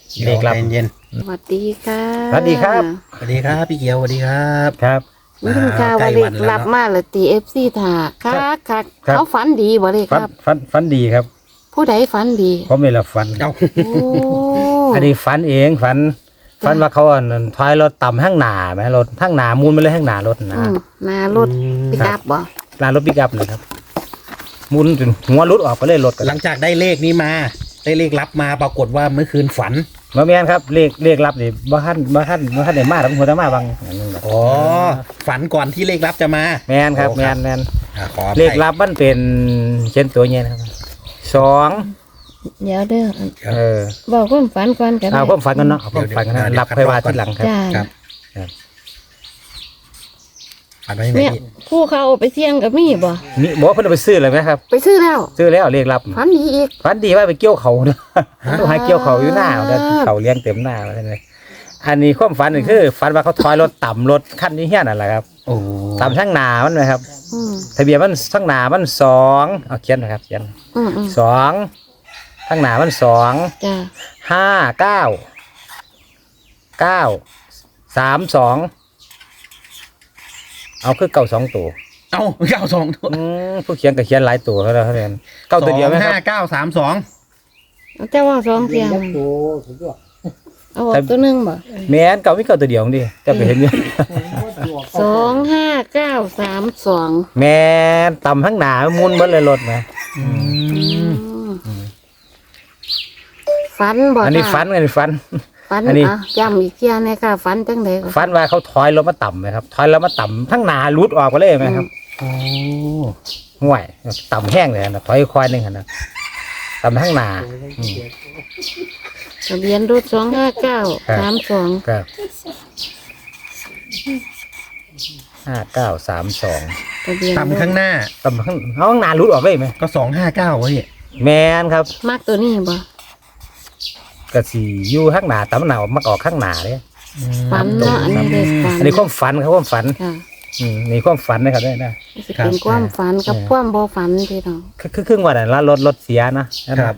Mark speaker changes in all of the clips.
Speaker 1: เลขลับ
Speaker 2: เย็น
Speaker 3: สวัสดีค่ะ
Speaker 1: สวัสดีครับ
Speaker 2: ๆสวัสดีครับพี่เกียวสวัสดีครับ
Speaker 1: ครับ
Speaker 3: นี่คุณกาว่าเลขลับมาเลยตีFC ถ่าคักคักเขาฝันดีบ่เลยครับ
Speaker 1: ฝันดีครับ
Speaker 3: ผู้ใดฝันดี
Speaker 1: ผมไม่รับฝัน
Speaker 2: เอ้า
Speaker 3: โอ้
Speaker 1: อันนี้ฝันเองฝันว่าเขาถอยรถต่ำข้างหน้าไหมรถข้างหน้ามูลไปเลยข้างหน้ารถนะ
Speaker 3: หนารถปิกอัพบ่
Speaker 1: ลานรถปิกอัพเลยครับมูลจนหัวรุดออกไปเลยรถกัน
Speaker 2: หลังจากได้เลขนี้มาได้เลขลับมาปรากฏว่าเมื่อคืนฝัน
Speaker 1: มาแม่นครับเลขลับนี่บ้านได้มาทั้งหัวทั้งมาบางอย่างนึงครับ
Speaker 2: อ๋อฝันก่อนที่เลขลับจะมา
Speaker 1: แม่นครับ
Speaker 2: โอ้
Speaker 1: แม่น
Speaker 2: ขออภัย
Speaker 1: เลขลับมันเป็นเช่นตัวเงี้ยนะครับ2
Speaker 3: เดี๋ยวเด้อ
Speaker 1: บอก
Speaker 3: ความฝันก่อนกัน
Speaker 1: เอาความฝันกันเนาะเอาความฝันกันนะรับไปว่าที่หลังครับ
Speaker 3: จ้า
Speaker 2: ครับ
Speaker 1: ครับ
Speaker 2: ฝันไว้ยังไง
Speaker 3: เนี่ย
Speaker 2: พี่
Speaker 3: ผู้เขาเอาไปเสี่ยงกับมีบ่
Speaker 1: นี่บอกเพิ่นเอาไปซื้อเลยไหมครับ
Speaker 3: ไปซื้อแล้ว
Speaker 1: ซื้อแล้วเลขลับ
Speaker 3: ฝันดีอีก
Speaker 1: ฝันดีว่าไปเกี่ยวเขาเนาะต้องหาเกี่ยวเขาอยู่หน้าแล้วเขาเลี้ยงเต็มหน้าเลยอันนี้ความฝันนี่คือฝันว่าเขาถอยรถต่ำรถคันนี้เฮี้ยนั่นแหละครับ
Speaker 2: โอ้
Speaker 1: ต่ำทั้งหนามันนะครับ
Speaker 3: อืม
Speaker 1: ทะเบียนมันทั้งหนามัน2เอาเขียนนะครับเขียน
Speaker 3: อืม
Speaker 1: 2ทั้งหนามัน2
Speaker 3: จ้า
Speaker 1: 5 9 9 3 2เอาคือเก่า2ตัว
Speaker 2: เอ้าเก้าสองตัว
Speaker 1: ผู้เขียนก็เขียนหลายตัวเขาแล้วเขาเรียนเก้าตัวเดียวไหมครับ
Speaker 2: 5 9 3 2
Speaker 3: เจ้าว่าสองเสียงเอาออกตัวหนึงบ่
Speaker 1: แม่นเก่าไม่เก่าตัวเดียวดิจะไปเห็นอยู่
Speaker 3: 2592
Speaker 1: แม่นต่ำทั้งหนามุนเบิดเลยรถนะ
Speaker 3: ฝันบ่
Speaker 1: อันนี้ฝันอันนี้ฝัน
Speaker 3: ฝัน
Speaker 1: อันนี้
Speaker 3: ย้ำอีกเที่ยเนี่ยค่ะฝันจังได๋
Speaker 1: ฝันว่าเขาถอยรถมาต่ำไหมครับถอยรถมาต่ำทั้งหนารุดออกไปเลยไหมครับ
Speaker 2: โอ้
Speaker 1: ห่วยต่ำแห้งเลยนะถอยควายหนึ่งนะต่ำทั้งหนา
Speaker 3: ทะเบียนรถ25932
Speaker 1: ครับ5932
Speaker 3: ทะเบียนรถ
Speaker 2: ต่ำข้างหน้า
Speaker 1: ต่ำข้างหนารุดออกเลยไหม
Speaker 2: ก็259วะพี่
Speaker 1: แมนครับ
Speaker 3: มักตัวนี้บ่
Speaker 1: กระสีอยู่ข้างหนาต่ำหนามักออกข้างหนาเลย
Speaker 3: ฝันเนาะอันนี้เด็กฝัน
Speaker 1: อันนี้ความฝันครับความฝัน
Speaker 3: ค่ะ
Speaker 1: นี่ความฝันนะครับได้นะ
Speaker 3: สิเป็นความฝันกับความบ่ฝันพี่น้อง
Speaker 1: คือครึ่งวันนั้นแล้วรถเสียนะครับ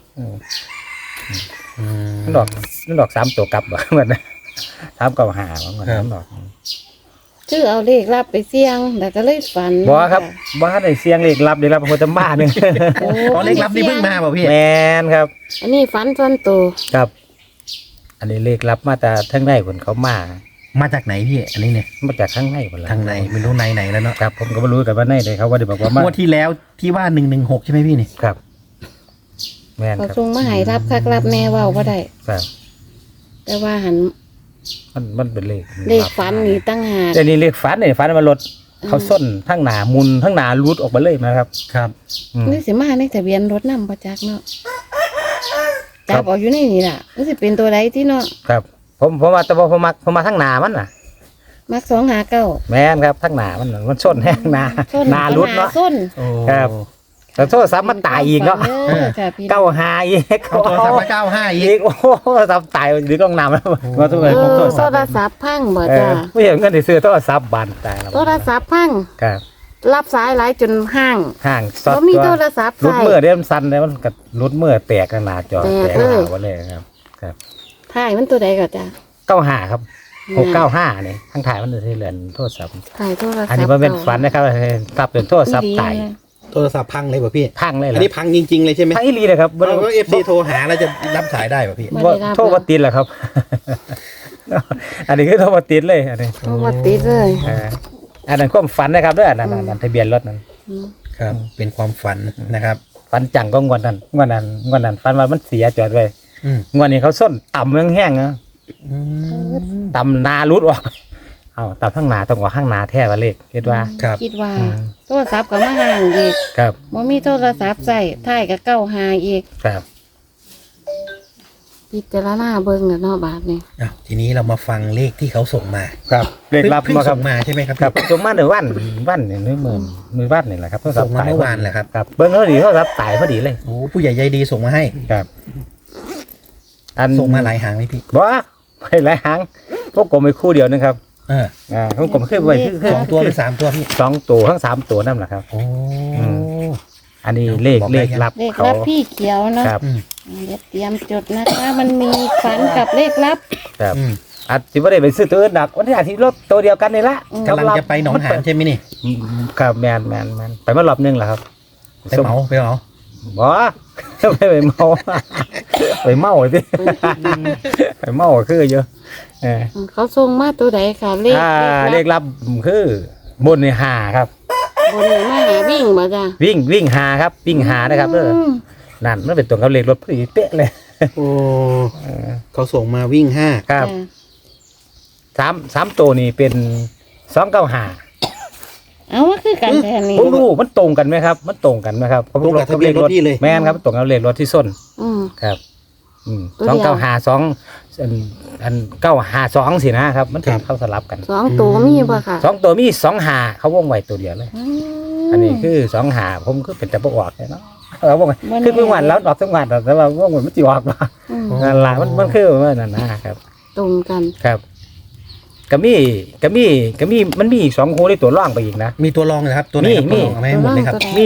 Speaker 1: มันดอก3ตัวกลับเหมือนนะ3กับ5เหมือนกันดอก
Speaker 3: ชื่อเอาเลขรับไปเสี่ยงแล้วก็เลยฝัน
Speaker 1: บ่ครับบ่ทันได้เสียงเลขลับโคตรบ้านึง
Speaker 3: โอ้
Speaker 2: อ๋อเลขลับนี่เพิ่งมาเปล่าพี่
Speaker 1: แมนครับ
Speaker 3: อันนี้ฝันส่วนตัว
Speaker 1: ครับ อันนี้เลขลับมาแต่ทั้งในคนเขามา
Speaker 2: จากไหนพี่อันนี้เนี่ย
Speaker 1: จากข้างในคนละ
Speaker 2: ทางในไม่รู้ในไหนแล้วเนาะ
Speaker 1: ครับผมก็ไม่รู้กันว่าในเลยเขาว่าได้บอกว่ามา
Speaker 2: งวดที่แล้วที่ว่า116ใช่ไหมพี่นี่
Speaker 1: ครับ แมน
Speaker 3: เขา
Speaker 1: ครับ
Speaker 3: ส่งมาให้รับคักรับแน่เว้าบ่ได้
Speaker 1: ครับ
Speaker 3: แต่ว่าหัน
Speaker 1: มันเป็นเลข
Speaker 3: เลขฝันนี่ตั้งหาก
Speaker 1: แต่นี่เลขฝันเนี่ยฝันมันรถเขาส้นทั้งหนามุนทั้งหนารูดออกมาเลยนะครับ
Speaker 2: ครับ
Speaker 3: นี่สิมาในทะเบียนรถนำบ่จักเนาะ
Speaker 1: ครั
Speaker 3: จั
Speaker 1: บ
Speaker 3: บออกอยู่ในนี่ล่ะมันสิเป็นตัวใดที่เนาะ
Speaker 1: ครับผมมาแต่ผมมาทั้งหนามันน่ะ
Speaker 3: มัก259
Speaker 1: แมนครับทั้งหนามันส้นแห้งหนา
Speaker 3: ส้น
Speaker 1: หนารูดเนาะ
Speaker 3: ส้น
Speaker 2: โอ้
Speaker 1: ครับ แต่โทษซ้ำมันตายอีกเนาะ
Speaker 3: เออค่ะพี่น้อง
Speaker 1: เก้าหาอีก
Speaker 2: เอาโทรศัพท์มา95อี
Speaker 1: อี
Speaker 2: ก
Speaker 1: กโอ้โหซ้ำตายหรือกล้องน้ำแล้วมาทุก
Speaker 3: เอ
Speaker 1: คนผม
Speaker 3: อ
Speaker 1: โทษ
Speaker 3: โท
Speaker 1: ซ้ำ
Speaker 3: รศัพท์พังบ่
Speaker 1: เอ
Speaker 3: จ้า
Speaker 1: อไม่เห็นเงินที่ซื้อโทรศัพท์บานตายแล้ว
Speaker 3: โทรศัพท์พัง
Speaker 1: ครับ
Speaker 3: รับสายหลายจนห้าง
Speaker 1: ห่างซอ
Speaker 3: บ่มีโทรศัพท์
Speaker 1: รุด
Speaker 3: ใช้
Speaker 1: เมื่อเด้มันสั่นเลยมันกัรุดเมื่อแตกขนาดจอ
Speaker 3: แตก
Speaker 1: แตก
Speaker 3: เลย
Speaker 1: หาวันเลยครับ
Speaker 3: ถ่ายมันตัวใดก็จ้า
Speaker 1: 95ครับ695นี่ข้างถ่ายมันจะที่เหลือนโทรศัพท์
Speaker 3: ถ่ายโทรศัพท์
Speaker 1: อันนี้มันเป็นฝันนะครับตับเป็นโทรศัพท์ตาย
Speaker 2: โทรศัพท์พังเลยป่ะพี่
Speaker 1: พังเลยเหร
Speaker 2: อั
Speaker 1: อน
Speaker 2: นี้พังจริงๆเลยใช่ไหม
Speaker 1: พังอีหลีเลยครับ
Speaker 2: เราก็FC โทรหาแล้วจะรับสายได้ป่ะพี่
Speaker 1: บ่โทรมาติดเหรอครับ อันนี้คือโทรมาติดเลยอันนี้
Speaker 3: โทรมาติดเลย
Speaker 1: อันนั้นความฝันนะครับด้วยอันนั้นทะเบียนรถนั้น
Speaker 3: อืม
Speaker 2: ครับ เป็นความฝันนะครับ
Speaker 1: ฝันจังก็งวดนั้นฝันว่ามันเสียจอดไว้
Speaker 2: อืม
Speaker 1: งวดนี้เขาส้นต่ำแห้งๆนะต่ำนารุดออกเอาต่ำข้างหนาต้องว่าข้างหนาแท้ว่าเลขคิดว่า
Speaker 2: ครับ
Speaker 3: คิดว่า
Speaker 1: อืม
Speaker 3: โทรศัพท์ก็มาห่างอีก
Speaker 1: ครับ
Speaker 3: บ่มีโทรศัพท์ใส่ถ่ายก็เก้าหาอีก
Speaker 1: ครับ
Speaker 3: พิจารณาเบิ่งกันเนาะบาดนี้
Speaker 2: อ้าวทีนี้เรามาฟังเลขที่เขาส่งมา
Speaker 1: ครับเลขลับ
Speaker 2: เพิ่ง
Speaker 1: มาครั
Speaker 2: ส่
Speaker 1: บ
Speaker 2: งมาใช่ไหมครับ
Speaker 1: ครับจงมาในวันนี่มือวันนี่แหละครับโทรศัพ
Speaker 2: ส่ง
Speaker 1: ท์
Speaker 2: มา
Speaker 1: ตาย
Speaker 2: เมื่อวานแหละครับ
Speaker 1: ครับเบิ้งเขาดีโทรศัพท์ตายพอดีเลย
Speaker 2: โอ้ผู้ใหญ่ใจดีส่งมาให้
Speaker 1: ครับ อัน
Speaker 2: ส่งมาหลายหางไหมพี่
Speaker 1: บ่ไม่หลายหางพวกผมไปคู่เดียวนะครับ
Speaker 2: เออ
Speaker 1: พวกผมขึ้นไปคือ
Speaker 2: 2 ตัวหรือ3 ตัวพี่
Speaker 1: 2 ตัวทั้ง3 ตัวนั่นแหละครับ
Speaker 2: โอ้
Speaker 1: อันนี้เลข
Speaker 2: บอกได้ยัง
Speaker 1: ลับ
Speaker 3: เลข
Speaker 1: เขา
Speaker 3: รับพี่เขียวเนาะ
Speaker 1: ครับ
Speaker 2: อืม
Speaker 3: เดี๋ยวเตรียมจดนะคะ มันมีฝันกับเลขลับ
Speaker 1: ครับ
Speaker 2: อืม
Speaker 1: อาจจะไม่ได้ไปซื้อตัวอื่นดักวันที่อาทิตย์รถตัวเดียวกันนี่ละ
Speaker 2: กำลังจะไปหนองหานใช่ไหมนี่
Speaker 1: ครับแมนไปมารอบนึงแหละครับ
Speaker 2: ไปเหมา
Speaker 1: บ่ไปเมาไปเมาสิไปเมาคือเยอะเออ
Speaker 3: เขาส่งมาตัวใดค่ะเลข
Speaker 1: เลขลับคือบนในหาครับ
Speaker 3: บนนี้มาหาวิ่งบ่จ้ะ
Speaker 1: วิ่งหาครับวิ่งหานะครับเด้อ
Speaker 3: ม
Speaker 1: นั่นมันเป็นตัวกับเลขรถพอดีเป๊ะเลย
Speaker 2: โอ้เขาส่งมาวิ่งห้า
Speaker 1: ครับ
Speaker 3: จ้ะ
Speaker 1: สามตัวนี้เป็น295
Speaker 3: เอาว่าคือกันแทนนี่
Speaker 1: ผมรู้มันตรงกันไหมครับ มันตรงกันไหมครับ
Speaker 2: ตรงกับทะเบียนรถพี่เลย
Speaker 1: แม่นครับตรงกับเลขรถที่ส้น
Speaker 3: อืม
Speaker 1: ครับ
Speaker 3: ตัวเดียว
Speaker 1: 295 อัน952สินะครับ มันเป็นเข้าสลับกัน
Speaker 3: สองตัวมีบ่ค่ะ
Speaker 1: 2ตัวมี25เขาวงไว้ตัวเดียวเลย อันนี้คือ25ผมก็เป็นแต่บ่ออกเลยเนาะวงไว้คือเพิ่งวันแล้วออกทั้งวันแต่ว่าวงมันสิออกว่า
Speaker 3: ม
Speaker 1: นั่นล่ะมันคือว่านั่นนะครับ
Speaker 3: ตรงกัน
Speaker 1: ครับก็มีมันมีอีก2คู่ในตัวร่องไปอีกนะ
Speaker 2: มีตัวรองนะครับ ตัวไหนครับ
Speaker 1: มี
Speaker 2: ตัวรองเอามาให้หมดเลยครับ
Speaker 1: มี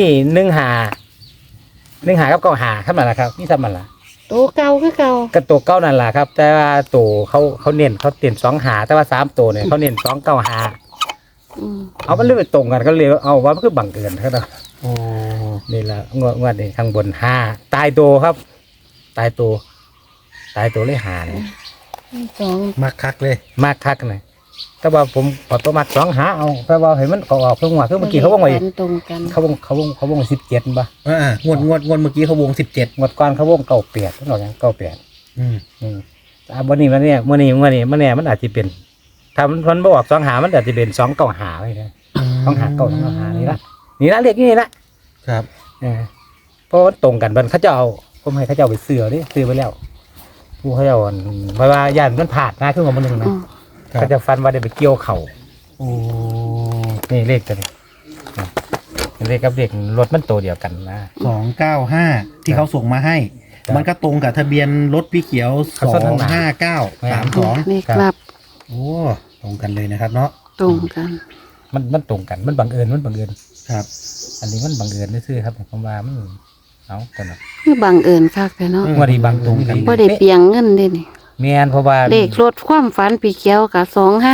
Speaker 1: 1 หากับ9 หาเท่านั้นแหละครับนี่ทำมันล่ะ
Speaker 3: ตัวเก่าคือเก่า
Speaker 1: ก็ตัวเก้านั่นแหละครับ แต่ว่าตัวเขาเน้นเขาเตียน2 หาแต่ว่า3ตัวเนี่ยเขาเน้น2 9 หา
Speaker 3: อืม
Speaker 1: เอามันเลยไปตรงกันก็เลยเอาว่ามันคือบังเอิญครับ
Speaker 2: โอ้
Speaker 1: นี่แหละงวดนี้ข้างบน5ตายตัวครับ ตายตัวเลยหาเนี่ย
Speaker 3: สอง
Speaker 2: มักคักเลย
Speaker 1: มากคักเลยแต่ว่าผมขอตัวมัด2 หาเอาแต่ว่าเห็นมันออกเพิ่งว่าคือเมื่อกี้เขาวงไว้
Speaker 3: ตรงกัน
Speaker 1: เขาวง17ป่ะ
Speaker 2: งวดเมื่อกี้เขาวง17
Speaker 1: งวดก่อนเขาวง98ต้องบอกอย่าง98
Speaker 2: อืม
Speaker 1: วันนี้มันเนี่ยเมื่อนี้มันอาจจะเป็นถ้ามันบออก2 หามันอาจจะเป็น2 9 หาไปเลย2 หา2 หานี่ละเรียกนี่ละ
Speaker 2: ครับ
Speaker 1: เพราะมันตรงกันมันเขาจะเอาผมให้เขาจะเอาไปซื้อนี่ซื้อไปแล้วผู้เขาจะเอาเพราะว่าย่านมันผ่านนะขึ้นมา1นะ
Speaker 3: อืม
Speaker 1: เขาจะฟันว่าได้ไปเกี่ยวเข่า
Speaker 2: โอ้
Speaker 1: นี่เลขตัวนี้เลขกับเลขรถมันตัวเดียวกันนะ
Speaker 2: 295ที่เขาส่งมาให้
Speaker 1: ครับ
Speaker 2: มันก็ตรงกับทะเบียนรถพี่เขียว
Speaker 1: เขาส่งทางไหน
Speaker 2: 25932
Speaker 3: เลขลับ
Speaker 2: โอ้ตรงกันเลยนะครับเนาะ
Speaker 3: ตรงกัน
Speaker 1: มันตรงกันมันบังเอิญ
Speaker 2: ครับ
Speaker 1: อันนี้มันบังเอิญซื่อๆครับผมว่ามันเอาตัวนั้น
Speaker 3: คือบังเอิญคักแต่เนาะ
Speaker 1: ว่าดีบังตรงกัน
Speaker 3: บ่ได้เปลียงเงินเด้นี่
Speaker 1: แม่นเพราะว่า
Speaker 3: เลขรถความฝันปีเขียวกับ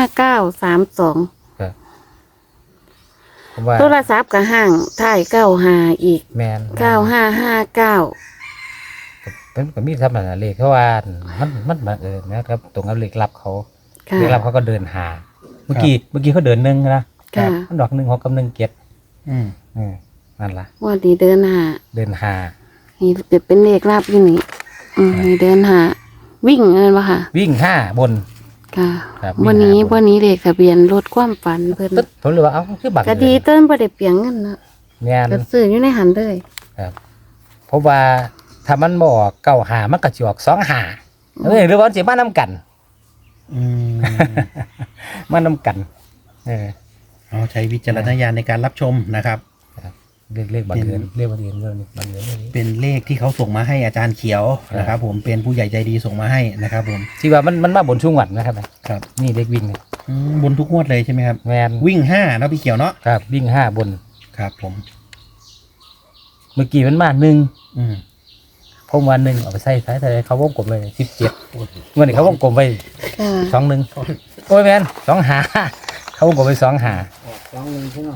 Speaker 3: 25932
Speaker 1: ผมว่า
Speaker 3: โทรศัพท์กับห้างถ่าย95อีก
Speaker 1: แม่น
Speaker 3: 9559
Speaker 1: เป็นก็มีทำอะไรเลขเพราะว่ามันบังเอิญนะครับ ตรงกับเลขลับเขา
Speaker 3: ค่ะ
Speaker 1: เลขลับเขาก็เดินหา เมื่อกี้เขาเดิน1นะ
Speaker 3: ค่ะ
Speaker 1: มันดอก1 6กับ1 7
Speaker 2: อืม
Speaker 1: นั่นล่ะ
Speaker 3: ว่าดีเดินหา
Speaker 1: เดินหา
Speaker 3: นี่เป็นเลขลับอยู่นี่นี่เดินหาวิ่งเงินบ่ค่ะ
Speaker 1: วิ่ง5บน
Speaker 3: ค่ะ
Speaker 1: ครับ
Speaker 3: วันนี้
Speaker 1: วิ่งหา
Speaker 3: วันนี้เลขทะเบียนรถความฝันเพิ่น
Speaker 1: ตึ๊ดผมเลยว่าเอ้าคือบัง
Speaker 3: ก็
Speaker 1: เอิ
Speaker 3: ดี
Speaker 1: ญ
Speaker 3: เติ้นบ่ได้เปลียงเงินเนาะ
Speaker 1: แม่น
Speaker 3: ก็ซื้ออยู่ในหันเลย
Speaker 1: ครับเพราะว่าถ้ามันบ่ออก9 หามันก็สิออก2 หาหรือว่ามันสิมานํกัน
Speaker 2: อืม
Speaker 1: มานํกัน
Speaker 2: เอาใช้วิจารณญาณในการรับชมนะครับ
Speaker 1: เลขบังเอิญเลขบังเอิญเรื่องนี้บังเอิญเรื่องนี้
Speaker 2: เป็นเลขที่เขาส่งมาให้อาจารย์เขียวนะครับ ผมเป็นผู้ใหญ่ใจดีส่งมาให้นะครับ ผม
Speaker 1: ที่ว่ามันมาบนช่วงวันนะครับ
Speaker 2: ครับ
Speaker 1: นี่เลขวิ่งนี่
Speaker 2: บนทุกงวดเลยใช่ไหมครับ
Speaker 1: แมน
Speaker 2: วิ่ง5เนาะพี่เขียวเนาะ
Speaker 1: ครับวิ่ง5บน
Speaker 2: ครับผม
Speaker 1: เมื่อกี้มันมา1
Speaker 2: อืม
Speaker 1: ผมว่า1เอาไปใส่ท้ายแต่เขาวงกลมไว้17เมื่อนี้เขาวงกลมไว้
Speaker 3: ค่ะ
Speaker 1: 21โอ้ยแมน2 หาเขาวงกลมไว้2 หา
Speaker 3: ว่าซั่น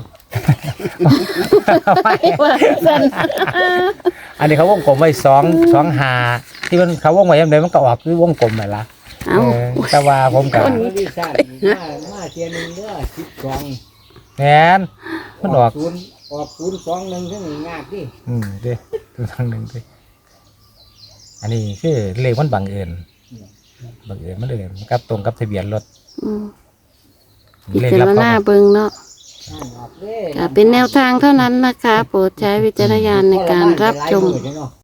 Speaker 1: อันนี้เขาวงกลมไว้2 หาที่มันเขาวงไว้ยังไงมันก็ออกคือวงกลมไหมล่ะ
Speaker 3: เอ้า
Speaker 1: แต่ว่าผมกับ
Speaker 4: มาดิฉันมาเทียนหนึ่งเด้อ12
Speaker 1: แมนมันออก
Speaker 4: 021ซึ่งงาดดิ
Speaker 1: ดิตัวทางหนึ่งดิอันนี้คือเลขมันบังเอิญมันเลยกับตรงกับทะเบียนรถ
Speaker 3: อืม
Speaker 1: เล
Speaker 3: พิ
Speaker 1: ข
Speaker 3: จา
Speaker 1: ลั
Speaker 3: ร
Speaker 1: บ
Speaker 3: ณา
Speaker 1: เขา
Speaker 3: เบิ่งเนาะ
Speaker 4: อ่านออกเด้
Speaker 3: ค่ะเป็นแนวทางเท่านั้นนะคะ โปรดใช้วิจารณญาณในการรับชม
Speaker 4: เนาะ